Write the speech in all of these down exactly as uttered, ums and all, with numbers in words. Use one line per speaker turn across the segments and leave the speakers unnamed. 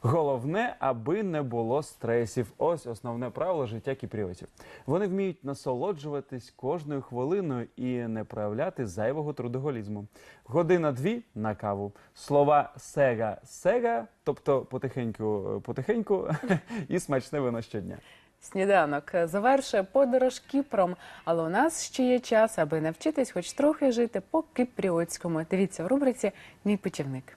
Головне, аби не було стресів. Ось основне правило життя кіпріотів. Вони вміють насолоджуватись кожною хвилиною і не проявляти зайвого трудоголізму. Година-дві на каву. Слова «сега-сега», тобто потихеньку-потихеньку, і смачне вино щодня.
Сніданок завершує подорож Кіпром, але у нас ще є час, аби навчитись хоч трохи жити по-кіпріотському. Дивіться в рубриці «Мій путівник».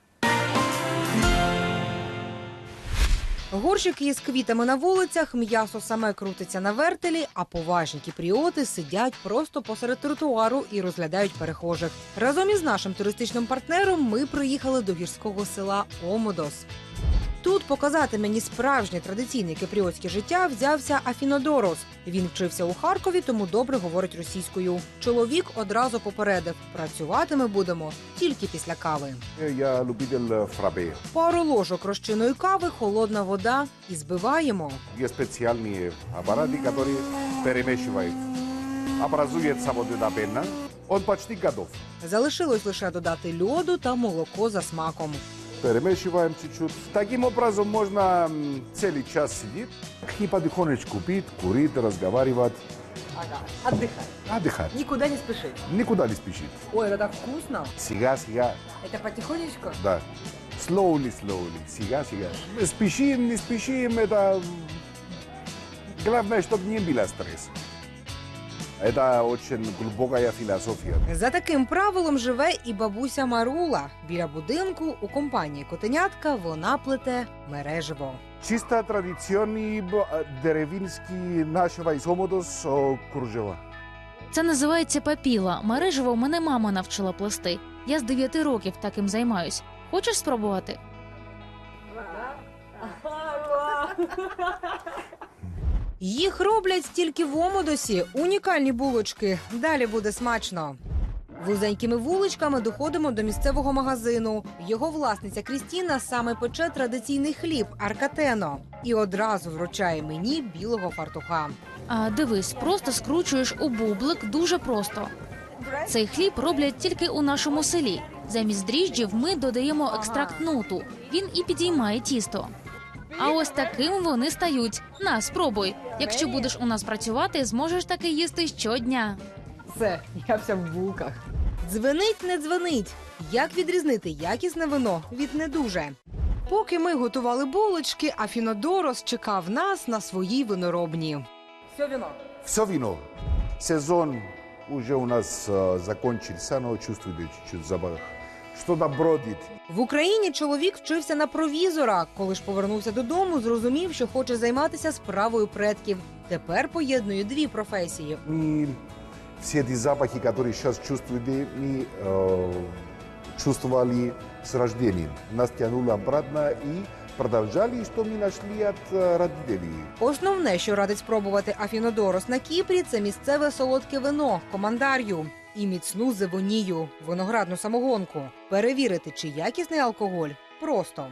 Горщики із квітами на вулицях, м'ясо саме крутиться на вертелі, а поважні кіпріоти сидять просто посеред тротуару і розглядають перехожих. Разом із нашим туристичним партнером ми приїхали до гірського села Омодос. Тут показати мені справжнє традиційне кіпріотське життя взявся Афінодорос. Він вчився у Харкові, тому добре говорить російською. Чоловік одразу попередив – працювати ми будемо тільки після кави.
Я любитель фрапе.
Пару ложок розчинної кави, холодна вода і збиваємо.
Є спеціальні апарати, які перемішують. Образується вода пена. Он почти готов.
Залишилось лише додати льоду та молоко за смаком.
Перемешиваем чуть-чуть. Таким образом можно целый час сидеть и потихонечку пить, курить, разговаривать.
Ага, отдыхать.
Отдыхать.
Никуда не спешить.
Никуда не спешить.
Ой, это так вкусно.
Сега-сега.
Это потихонечку?
Да. Slowly, slowly. Сега-сега. Спешим, не спешим, это... Главное, чтобы не было стресса. Це дуже глибока філософія.
За таким правилом живе і бабуся Марула. Біля будинку у компанії «Котенятка» вона плете мереживо.
Чисто традиційний деревінський нашого із Омодос кружева.
Це називається папіла. Мереживо мене мама навчила плести. Я з дев'яти років таким займаюсь. Хочеш спробувати?
Їх роблять тільки в Омодосі. Унікальні булочки. Далі буде смачно. Вузенькими вуличками доходимо до місцевого магазину. Його власниця Крістіна саме пече традиційний хліб – аркатено. І одразу вручає мені білого фартуха.
А дивись, просто скручуєш у бублик дуже просто. Цей хліб роблять тільки у нашому селі. Замість дріжджів ми додаємо екстракт нуту. Він і підіймає тісто. А ось таким вони стають. На, спробуй. Якщо будеш у нас працювати, зможеш таки їсти щодня.
Все, я вся в булках. Дзвенить, не дзвенить. Як відрізнити якісне вино від не дуже? Поки ми готували булочки, Афінодорос чекав нас на своїй виноробні. Все вино.
Все вино. Сезон уже у нас uh, закончился, но чувствуете чуть-чуть запах. Що-то бродить.
В Україні чоловік вчився на провізора. Коли ж повернувся додому, зрозумів, що хоче займатися справою предків. Тепер поєднує дві професії.
Ми всі ті запахи, які зараз чувствуєте, ми uh, чувствували з рождения. Нас тягнуло обратно і продовжали, що ми знайшли від родителей.
Основне, що радить спробувати Афінодорос на Кіпрі, це місцеве солодке вино – командар'ю. І міцну зевонію – виноградну самогонку. Перевірити, чи якісний алкоголь – просто.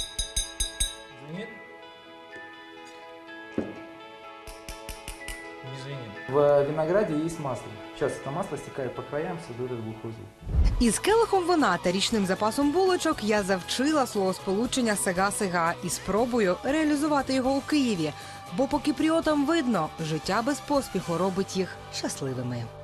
В винограде есть масло. Сейчас это масло стекает по краям, создает глухой звук.
Із келихом вина та річним запасом булочок я завчила словосполучення «сега-сега» і спробую реалізувати його у Києві. Бо по кіпріотам видно, життя без поспіху робить їх щасливими.